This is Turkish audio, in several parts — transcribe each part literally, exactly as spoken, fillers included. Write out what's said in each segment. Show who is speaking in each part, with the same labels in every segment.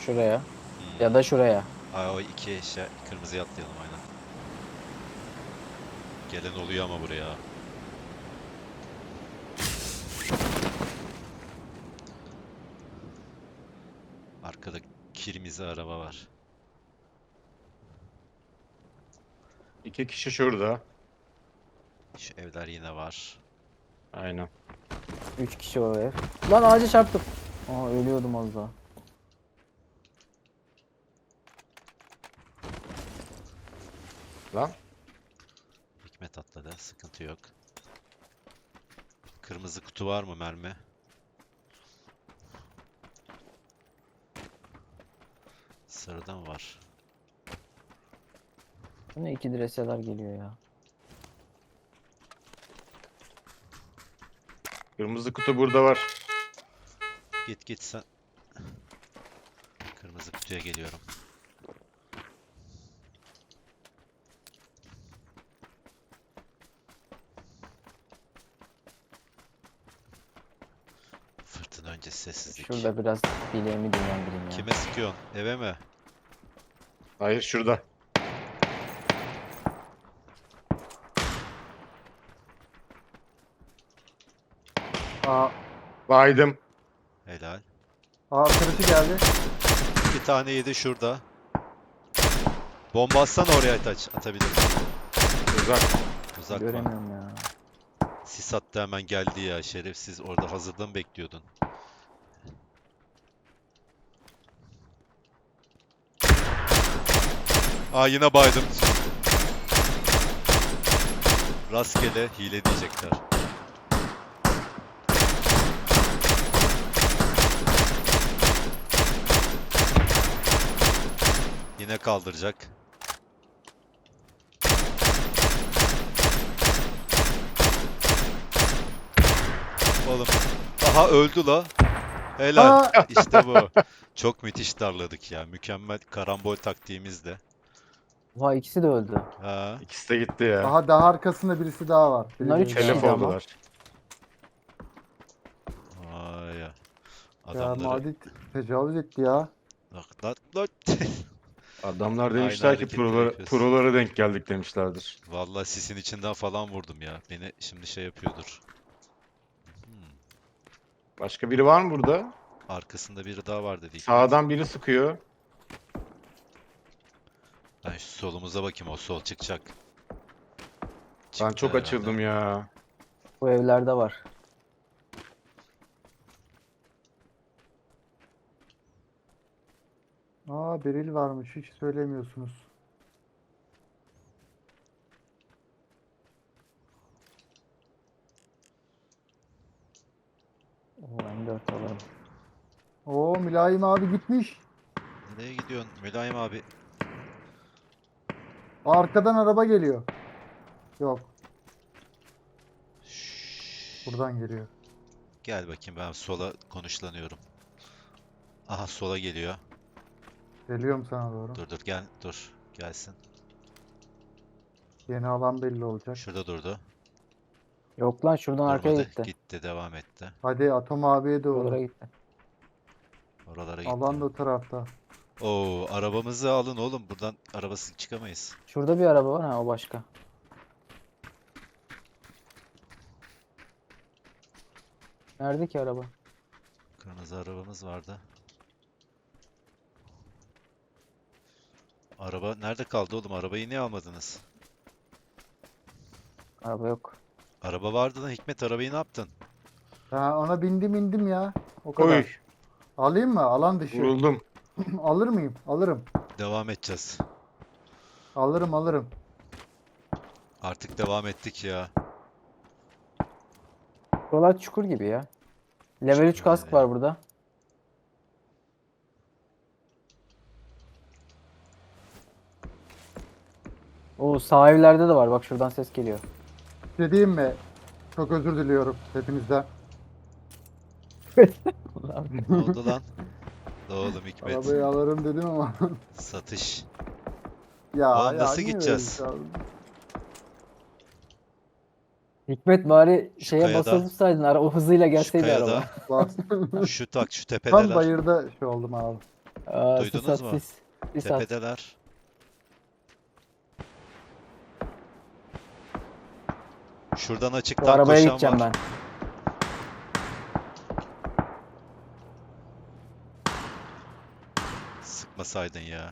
Speaker 1: Şuraya.
Speaker 2: Hmm.
Speaker 1: Ya da şuraya.
Speaker 2: Aa, o iki eşya kırmızıya atlayalım aynen. Gelen oluyor ama buraya. Arkada kirmizi araba var.
Speaker 3: İki kişi şurada.
Speaker 2: Şu evler yine var.
Speaker 3: Aynen.
Speaker 1: Üç kişi o ev. Lan ağaca çarptım. Aa ölüyordum az daha.
Speaker 3: Lan.
Speaker 2: Hikmet atladı. Sıkıntı yok. Kırmızı kutu var mı mermi? Sarıda mı var?
Speaker 1: Yine iki direseler geliyor ya.
Speaker 3: Kırmızı kutu burada var.
Speaker 2: Git git sen. Kırmızı kutuya geliyorum. Fırtına öncesi sessizlik.
Speaker 1: Şurada biraz bileğimi dinlendireyim ya.
Speaker 2: Kime sıkıyorsun? Eve mi?
Speaker 3: Hayır şurada.
Speaker 4: Aa,
Speaker 3: Baydım.
Speaker 2: Helal.
Speaker 4: aa kırıcı geldi.
Speaker 2: İki tane yedi şurada. Bomba atsana oraya Aytaç. Atabilirim.
Speaker 3: Uzak.
Speaker 2: Uzak mı?
Speaker 1: Göremiyorum ya.
Speaker 2: Sis attı hemen geldi ya. Şerefsiz orada hazırda mı bekliyordun? Aa yine baydım. Rastgele hile diyecekler. Yine kaldıracak. Oğlum. Aha öldü la. Helal.
Speaker 4: Aa!
Speaker 2: İşte bu. Çok müthiş darladık ya. Mükemmel karambol taktiğimizde.
Speaker 1: Oha ikisi de öldü.
Speaker 2: Ha.
Speaker 3: İkisi de gitti ya.
Speaker 4: Aha daha arkasında birisi daha var. Biri
Speaker 1: Bunlar üç
Speaker 4: biri
Speaker 1: kişi.
Speaker 4: daha.
Speaker 3: Telef
Speaker 1: kişiydi ama.
Speaker 3: oldular.
Speaker 2: Vay ya.
Speaker 4: Ya
Speaker 2: Adamları.
Speaker 4: Madit tecavüz etti ya.
Speaker 2: Bak lan lan.
Speaker 3: Adamlar
Speaker 2: Aynı
Speaker 3: demişler ki
Speaker 2: hareketleri
Speaker 3: prolara,
Speaker 2: yapıyorsun.
Speaker 3: prolara denk geldik demişlerdir.
Speaker 2: Vallahi sisin içinden falan vurdum ya. Beni şimdi şey yapıyordur. Hmm.
Speaker 3: Başka biri var mı burada?
Speaker 2: Arkasında biri daha var dedi.
Speaker 3: Sağdan biri sıkıyor.
Speaker 2: Ben şu solumuza bakayım. O sol çıkacak.
Speaker 3: Ben
Speaker 2: Çıktı
Speaker 3: çok
Speaker 2: herhalde.
Speaker 3: açıldım ya.
Speaker 1: Bu evlerde var.
Speaker 4: Aa Beril varmış hiç söylemiyorsunuz.
Speaker 1: Oo M dört alalım.
Speaker 4: Oo Mülayim abi gitmiş.
Speaker 2: Nereye gidiyorsun Mülayim abi?
Speaker 4: Arkadan araba geliyor. Yok
Speaker 2: Şşş.
Speaker 4: buradan geliyor.
Speaker 2: Gel bakayım ben sola konuşlanıyorum. Aha sola geliyor.
Speaker 4: Geliyorum sana doğru.
Speaker 2: Dur dur gel dur. Gelsin.
Speaker 4: Yeni alan belli olacak.
Speaker 2: Şurada durdu.
Speaker 1: Yok lan şuradan arkaya
Speaker 2: Durmadı.
Speaker 1: gitti.
Speaker 2: Gitti devam etti.
Speaker 4: Hadi Atom abiye
Speaker 1: Buralara
Speaker 4: doğru.
Speaker 1: gitti.
Speaker 2: Oralara gitti.
Speaker 4: Alan da o tarafta.
Speaker 2: Oo arabamızı alın oğlum. Buradan arabasız çıkamayız.
Speaker 1: Şurada bir araba var ha o başka. Nerede ki araba?
Speaker 2: Kırmızı arabamız vardı. Araba nerede kaldı oğlum? Arabayı niye almadınız?
Speaker 1: Araba yok.
Speaker 2: Araba vardı lan Hikmet arabayı ne yaptın?
Speaker 4: Ha, ona bindim indim ya. O kadar.
Speaker 3: Oy.
Speaker 4: Alayım mı? Alan dışı.
Speaker 3: Vuruldum.
Speaker 4: Alır mıyım? Alırım.
Speaker 2: Devam edeceğiz.
Speaker 4: Alırım alırım.
Speaker 2: Artık devam ettik ya.
Speaker 1: Buralar çukur gibi ya. Level üç
Speaker 2: Çukur
Speaker 1: kask
Speaker 2: gibi.
Speaker 1: var burada. Oo sağ evlerde de var. Bak şuradan ses geliyor.
Speaker 4: Bir şey diyeyim mi? Çok özür diliyorum hepinizden.
Speaker 2: Ne oldu lan? Ne oğlum Hikmet?
Speaker 4: Arabayı alırım dedim ama.
Speaker 2: Satış.
Speaker 4: ya
Speaker 2: Oğlum
Speaker 4: ya
Speaker 2: nasıl
Speaker 4: niye
Speaker 2: gideceğiz?
Speaker 4: böyle bir şey aldın?
Speaker 1: Hikmet bari
Speaker 2: Şu
Speaker 1: şeye
Speaker 2: kayada-
Speaker 1: basılı tutsaydın. Ara, o hızıyla
Speaker 2: Şu
Speaker 1: gelseydi araba.
Speaker 2: kayada
Speaker 4: Bastım.
Speaker 2: şu tak şu
Speaker 4: Tam
Speaker 2: tepedeler.
Speaker 4: bayırda şey oldum abi.
Speaker 1: Aa,
Speaker 2: Duydunuz
Speaker 1: sis at,
Speaker 2: mu?
Speaker 1: sis. Sis at.
Speaker 2: Tepedeler. Şuradan
Speaker 1: Bu
Speaker 2: açıktan
Speaker 1: arabaya
Speaker 2: koşan
Speaker 1: gideceğim
Speaker 2: var.
Speaker 1: ben.
Speaker 2: Sıkmasaydın ya.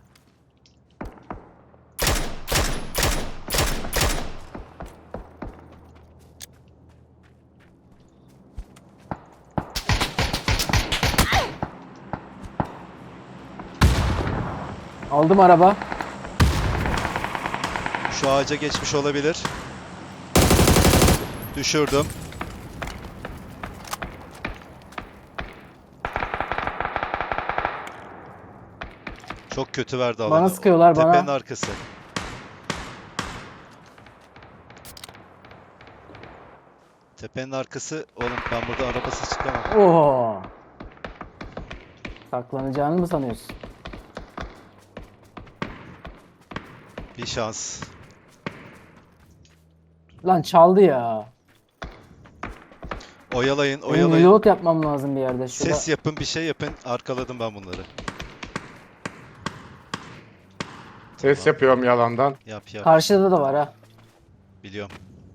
Speaker 1: Aldım araba.
Speaker 2: Şu ağaca geçmiş olabilir. Düşürdüm. Çok kötü verdi alanı.
Speaker 1: Bana sıkıyorlar, bana.
Speaker 2: Tepenin arkası. Tepenin arkası. Oğlum ben burada arabasız çıkamam.
Speaker 1: Oo. Saklanacağını mı sanıyorsun?
Speaker 2: Bir şans.
Speaker 1: Lan çaldı ya.
Speaker 2: Oyalayın,
Speaker 1: Benim
Speaker 2: oyalayın.
Speaker 1: reload yapmam lazım bir yerde. Şurada.
Speaker 2: Ses yapın, bir şey yapın. Arkaladım ben bunları.
Speaker 3: Ses yapıyorum yalandan.
Speaker 2: Yap yap.
Speaker 1: Karşıda da var ha.
Speaker 2: Biliyorum.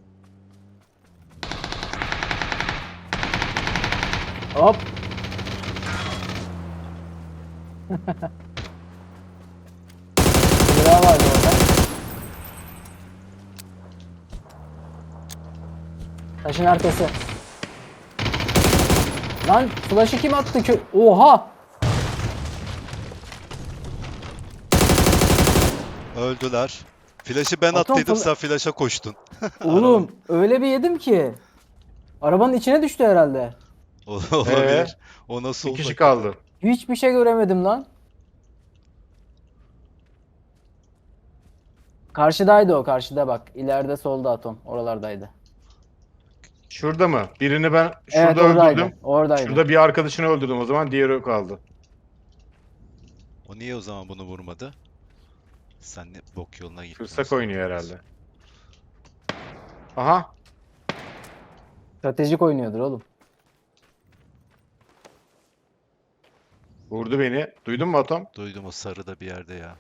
Speaker 1: Hop. Bir daha vardı orada. Taşın arkası. Lan flash'ı kim attı ki? Oha!
Speaker 2: Öldüler. Flash'ı ben
Speaker 1: Atom
Speaker 2: attıydım,
Speaker 1: fla-
Speaker 2: sen flash'a koştun.
Speaker 1: Oğlum öyle bir yedim ki. Arabanın içine düştü herhalde.
Speaker 2: Olabilir. O nasıl
Speaker 3: Bir
Speaker 2: oldu?
Speaker 3: kişi kaldı.
Speaker 1: Hiçbir şey göremedim lan. Karşıdaydı o, karşıda bak. İleride solda atom. Oralardaydı.
Speaker 3: Şurada mı? Birini ben
Speaker 1: Evet,
Speaker 3: şurada
Speaker 1: oradaydı.
Speaker 3: öldürdüm.
Speaker 1: Oradaydı.
Speaker 3: Şurada bir arkadaşını öldürdüm o zaman. Diğeri kaldı.
Speaker 2: O niye o zaman bunu vurmadı? Sen ne bok yoluna gittin.
Speaker 3: Fırsak oynuyor herhalde. Aha.
Speaker 1: Stratejik oynuyordur oğlum.
Speaker 3: Vurdu beni. Duydun mu Atom?
Speaker 2: Duydum, o sarıda bir yerde ya.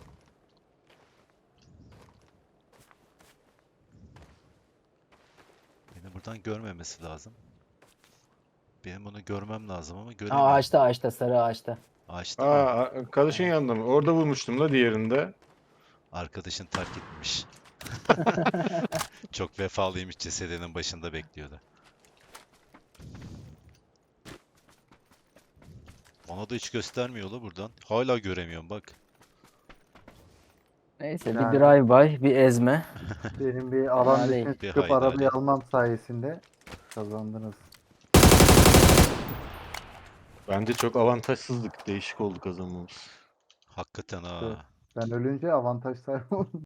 Speaker 2: Beni buradan görmemesi lazım. Benim bunu görmem lazım ama
Speaker 1: Aa,
Speaker 2: göremiyorum.
Speaker 1: ağaçta ağaçta, sarı ağaçta.
Speaker 2: Ağaçta mı?
Speaker 3: Aa, arkadaşın yanında mı? Orada vurmuştum da diğerinde.
Speaker 2: Arkadaşın terk etmiş. Çok vefalıymış, cesedinin başında bekliyordu. Ona da hiç göstermiyor la buradan. Hala göremiyorum bak.
Speaker 1: Neyse
Speaker 4: Yani-
Speaker 1: bir drive-by, bir ezme.
Speaker 4: Benim bir alan
Speaker 1: Hadi.
Speaker 4: dışına
Speaker 2: Bir
Speaker 4: çıkıp
Speaker 2: haydi
Speaker 4: arabayı
Speaker 2: hadi.
Speaker 4: almam sayesinde kazandınız.
Speaker 3: Bence çok avantajsızlık. Değişik oldu kazanmamız.
Speaker 2: Hakikaten ha.
Speaker 4: Evet. Ben ölünce avantaj sahibi oldum.